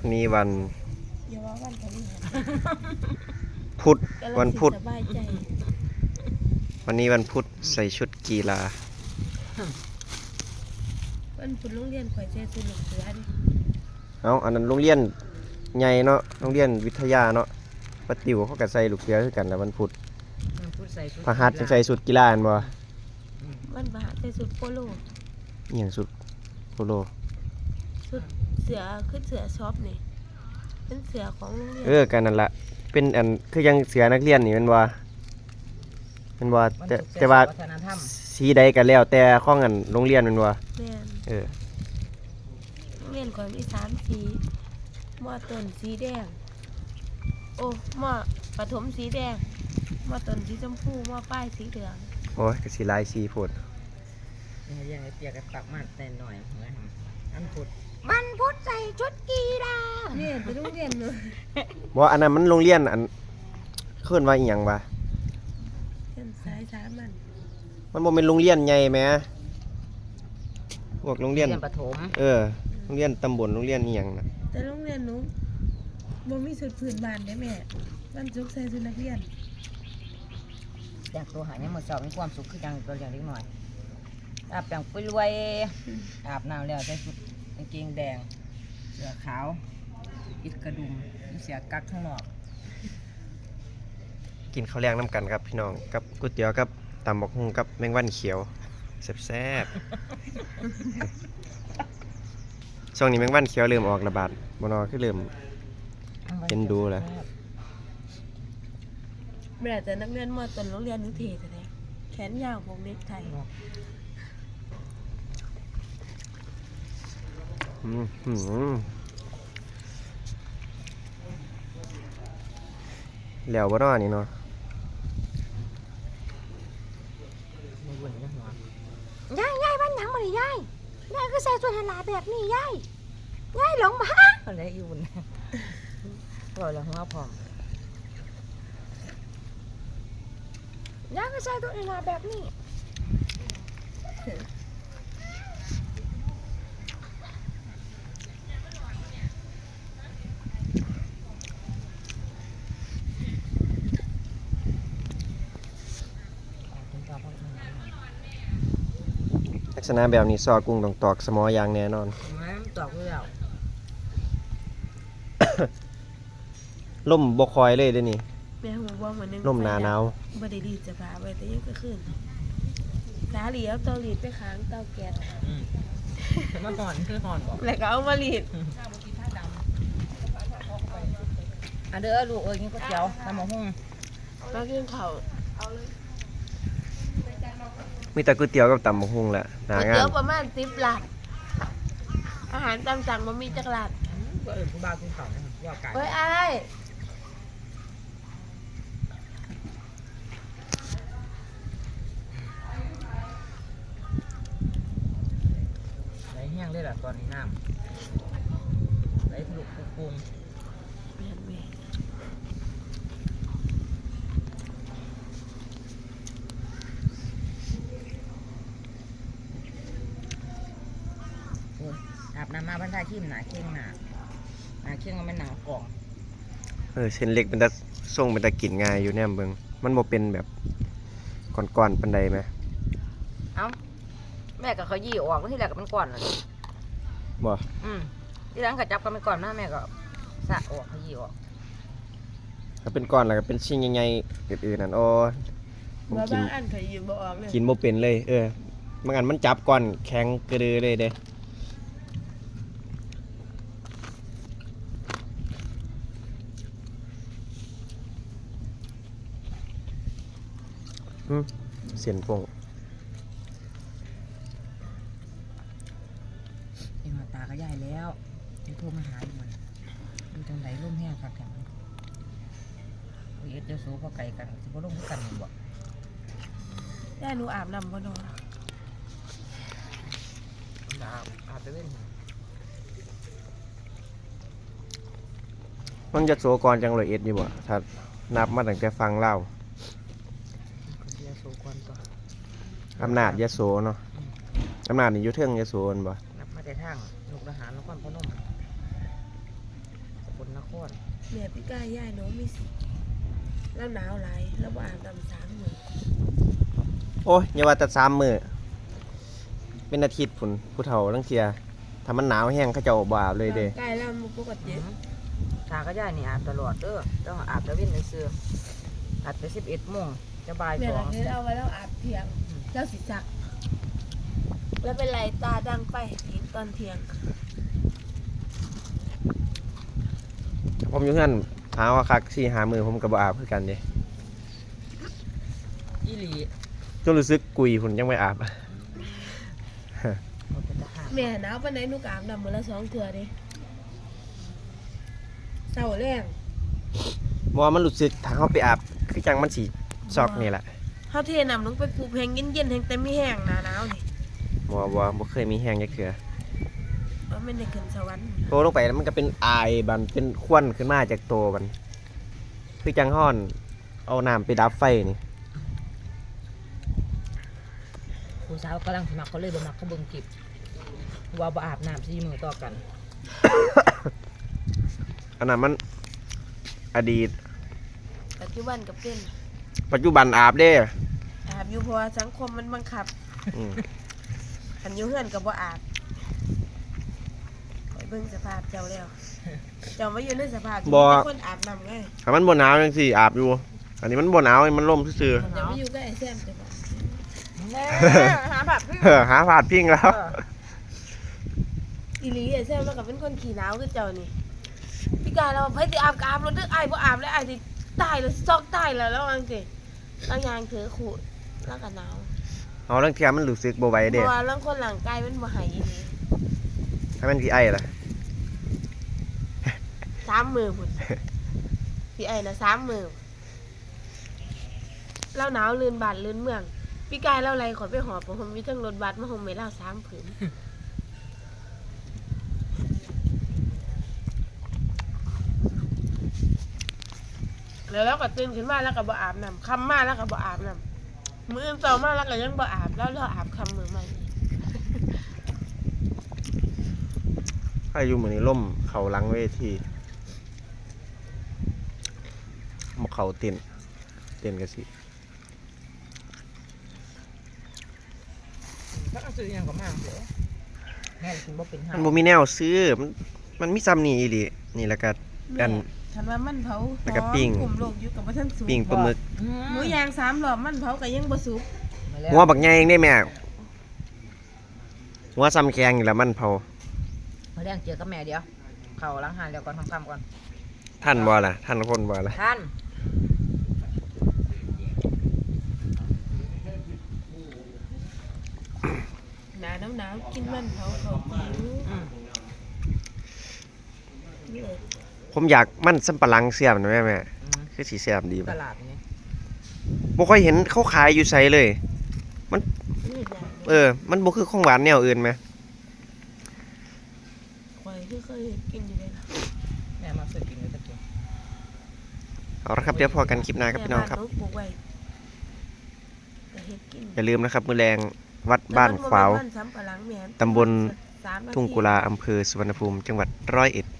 นี้วันอย่าว่าวันพฤหัสพุธวันพุธสบายใจวันนี้วันพุธใส่ชุดกีฬาวันพุธโรงเรียนข่อยใส่ชุดลูกเสือดิเอาอันนั้นโรงเรียนใหญ่เนาะโรงเรียนวิทยาเนาะปะติวเขาก็ใส่ลูกเสือคือกันนะวันพุธมันพูดใส่ชุดพหัสจะใส่ชุดกีฬาอันบ่วันพฤหัสใส่ชุดโปโลอหย่างชุดโปโลชุดเสือคือเสือช็อปนี่เป็นเสือของโรงเรียนกันนั่นละเป็นอันคือยังเสือนักเรียนนี่แมันว่าแต่ว่าวัฒนธรรมสีใดกันแล้วแต่ข้องอันโรงเรียนแมันว่าแม่นเออโรงเรียนข่อยมี3สีมอต้นสีแดงโอ้มอประถมสีแดงมอต้นสีชมพูมอปลายสีเหลืองโอ้ยก็สิหลายสีโพดยังไงเปียกกันปักมาแต่หน่อยอันพุธมันพุธใส่ชุดกีฬาเนี่ยไปโรงเรียนเนอะบ่อันนั้นมันโรงเรียนอันเพิ่นว่าอีหยังวะเป็นสายสามัญมันบ่แม่นโรงเรียนใหญ่แหมพวกโรงเรียนประถมโรงเรียนตำบลโรงเรียนอีหยังน่ะแต่โรงเรียนหนูบ่มีชุดพื้นบ้านเด้แม่วันศุกร์ใส่ชุดนักเรียนแต่งตัวหายเนี่ยหมดสอบมีความสุขคือจังตัวอย่างเล็กหน่อยอาบแต่งปุ้ยรวยอาบน้ำแล้วใส่ชุดกางเกงแดงเสื้อขาวอิดกระดุมเสียกักข้างนอกกินข้าวแรงน้ำกันครับพี่น้องกับก๋วยเตี๋ยวกับตำบักหุ่งกับแมงวันเขียวแซ่บๆช่วงนี้แมงวันเขียวเริ่มออกระบาดบ่นอคือเริ่ม เป็นดูแหละแม่แต่นักเรียนมอต้นโรงเรียนนิเทศแท้แขนยาวพวกเด็กไทยแล้วบ่นอนี่เนาะไม่วุ่นนะหัวยายบ้านหยังบ่ได้ยายยายก็ใส่ชุดหลาแบบนี้ยายหลงมาอะไรอีวุ่นบอกแล้วหัวพร้อมยายก็ใส่ชุดหลาแบบนี้ลักษณะแบบนี้ซอกุ้งต้องตอกสมออย่างแน่นอนไม่ตอกแล้วล่มบ่คอยเลยเด้อนี่แม่หูบ่เหมือนนึงล่มหนาหนาวบ่ได้รีดจะพาไว้แต่ยังก็ขึ้นสาเหลียวเตารีดไปค้างเตาแก๊สมาห่อนคือห่อนบอกแล้วก็เอามารีดเด้อลูกกินก๋วยเตี๋ยวตำมะฮุ่งมากินข้าวมีแต่ก๋วยเตี๋ยวกับตำบักหุ่งแหละหน้าก๋วยงาเตี๋ยนวประมาณ10ลาดอาหารตามสั่งบ่มีจักลาดก็อื่นผู้บ่าวกินข้าวนะครับว่าไก่เฮ้ยอ้ายไหลแห้งเลยล่ะตอนนี้น้ำไหลทะลุปุ้งแม่นแม่อาบน้ำมาบรรดาขี้มหนาเข่งหนาเข่งมันหนากล่องเส้นเล็กเป็นตาส่งเป็นตากินง่ายอยู่แนมเบิงมันบ่เป็นแบบก้อนๆปานใดไหมเอ้าแม่ก็เขายี่ออกที่แรกก็เป็นก้อนเลยบ่ที่หลังก็จับกันเป็นก้อนนะแม่ก็สะออกเขายี่ออกถ้าเป็นก้อนแล้วก็เป็นชิ้นใหญ่ๆอื่นๆนั่นโอ้ผมว่ากินบางอันข่อยยืมบ่ออกเลยกินบ่เป็นเลยบางอันมันจับก้อนแข็งกระดือเลยเด้เสียนพงยังตาก็ใหญ่แล้วจะโทรมาหามันดูจังไรร่มแห้งคักแข็งเอ็ดเดี๋ยวโซ่พอไก่กันจะก็ร่มกันบ่ได้หนูอาบน้ำบ่นอนอาบไปเล่นมันจะโสกรจังเลยเอ็ดอยู่บ่ถ้านับมาตั้งแต่ฟังเล่าเดี๋ยวโซ่ก่อนต่ออำนาจยโสเนาะอำนาจนี่อยู่เทิงยโสนบ่นับมาแต่ทางลูกทหารนครพนมลนครแม่พี่ก้าย่ายน้องมีแล้วหนาวหลายแล้วบ่อาบน้ำ3 มื้อโอ้ยอย่าว่าแต่3 มื้อเป็นอาทิตย์พุ่นผู้เฒ่าลังเที่ยถ้ามันหนาวแห้งเขาเจ้าบ่อาบเลยเด้ใกล้แล้วมันปกติตาก็ย่ายนี่อาบตลอดเด้อต้องอาบตะเวนซื่อๆอาบแต่11 โมงจะบ่ายแม่สอก็งเคยเอาไว้แล้วอาบเที่ยงแล้วสิซักแล้วเป็นไรตาดังไปอีกตอนเที่ยงผมอยู่เฮือนหาว่าคัก4-5 มื้อผมก็บ่อาบคือกันเด้อีหลีจนรู้สึกกุยพุ่นยังไม่อาบบ่เป็นทหารแม่หนาวปานใดหนูก็อาบน้ำมื้อละ2 เทื่อเด้เช้าแรงบ่ว่ามันรู้สึกถ้าเฮาไปอาบคือจังมันสิซอกนี่แหละเฮาเทน้ำลงไปปลูกแห้งเย็นๆแห้งแต่มีแห้งหน้าหนาวนี่บ่เคยมีแห้งจักเทื่อว่ามันได้ขึ้นสวรรค์โตลงไปแล้วมันก็เป็นอายบันเป็นควันขึ้นมาจากโตมันคือจังฮ้อนเอาน้ำไปดับไฟนี่ผู้สาวกำลังสมัครเขาเลยบ่มักเขาเบิ่งคลิปว่าบ่อาบน้ำ4 มื้อต่อกันอันนั้นมันอดีตปัจจุบันก็เป็นปัจจุบันอาบเด้อาบอยู่เพราะว่าสังคมมันบังคับอืมคันอยู่เฮือนก็บ่อาบไปเบิ่งสภาพเจ้าแล้ว เจ้ามาอยู่ในสภาพที่มีคนอาบน้ำไงถ้ามันบ่หนาวจังซี่อาบอยู่ อันนี้มันบ่หนาวมันล่มซื่อเจ้ามาอยู่กับไอ้แซมจังว่าแน่หาแบบพี่ๆ หาผาดพิงแล้วอีหลีไอ้แซมแล้วก็เป็นคนขี้หนาวคือเจ้านี่พี่กายเราไปสิอาบก็อาบรถเด้ออ้ายบ่อาบแล้วอ้ายสิตายแล้วซอกตายแล้วว่าจังซี่แล้วยางถือขูดแล้วก็หนาวเอาเรื่องเทียมันรู้สึกบ่ไหวเพเด้ราะว่าร่างคนร่างกายมันบ่ให้อีหลีถ้ามันสิไอล่ะ 3 มื้อพุ่นพี่ไอ้น่ะ3 มื้อเราหนาวลื่นบ้านลื่นเมืองพี่กายเราไล่ขอยไปหอบบ่ผมมีทั้งรถบัสมาห่มให้เรา3 ผืน แล้วเราก็ตื่นขึ้นมาแล้วก็บ่อาบน้ำค่ำมาแล้วก็บ่อาบน้ำมื้ออื่นต่อมาแล้วก็ยังบ่อาบแล้วเราอาบค่ำมื้อใหม่อีกถ้าอยู่มื้อนี้ล่มเข้าหลังเวทีบ่เข้าเต้นก็สิถ้าซื้อหยังก็มาเด้อแม่กินบ่เป็นหามันบ่มีแนวซื้อมันมีซ้ำนี่อีหลีนี่แล้วก็อันคันว่ามันเผาแล้วก็ปิ้งกลุ่มโลกอยู่กับบ่ทันสุกปิ้งปลาหมึกหมูย่าง3 รอบมันเผาก็ยังบ่สุกมาแล้วหัวบักใหญ่เองได้แม่หัวซ้ำแข็งนี่แหละมันเผามาแรงเจอกับแม่เดี๋ยวเข้าล้างหานแล้วก่อนทำก่อนท่านบ่ล่ะท่านคนบ่ล่ะท่านหนาวกินมันเผาเขาจิ๋วอืมนี่เลยผมอยากมันสำปะหลังเสียบนะแม่อืมคือสิเสียบดีตบ่ลาดนี่บ่ค่อยเห็นเขาขายอยู่ไสเลยนี่แหละมันบ่คือของหวานแนวอื่นไหมข่อยคือเคยเห็นกินอยู่เลยนะแม่มาซื้อกินเลยตะกี้เอาละครับเดี๋ยวพอกันคลิปหน้าครับพี่น้องครับแม่านหปลูกไว้ก็เฮ็ดกินอย่าลืมนะครับมื้อแรงวัดบ้านขวาวแต่มันบ่แม่นมันสำปะหลังแม่นตำบล 3 นาทีทุ่งกุลาอำเภอสุวรรณภูมิจังหวัดร้อยเอ็ด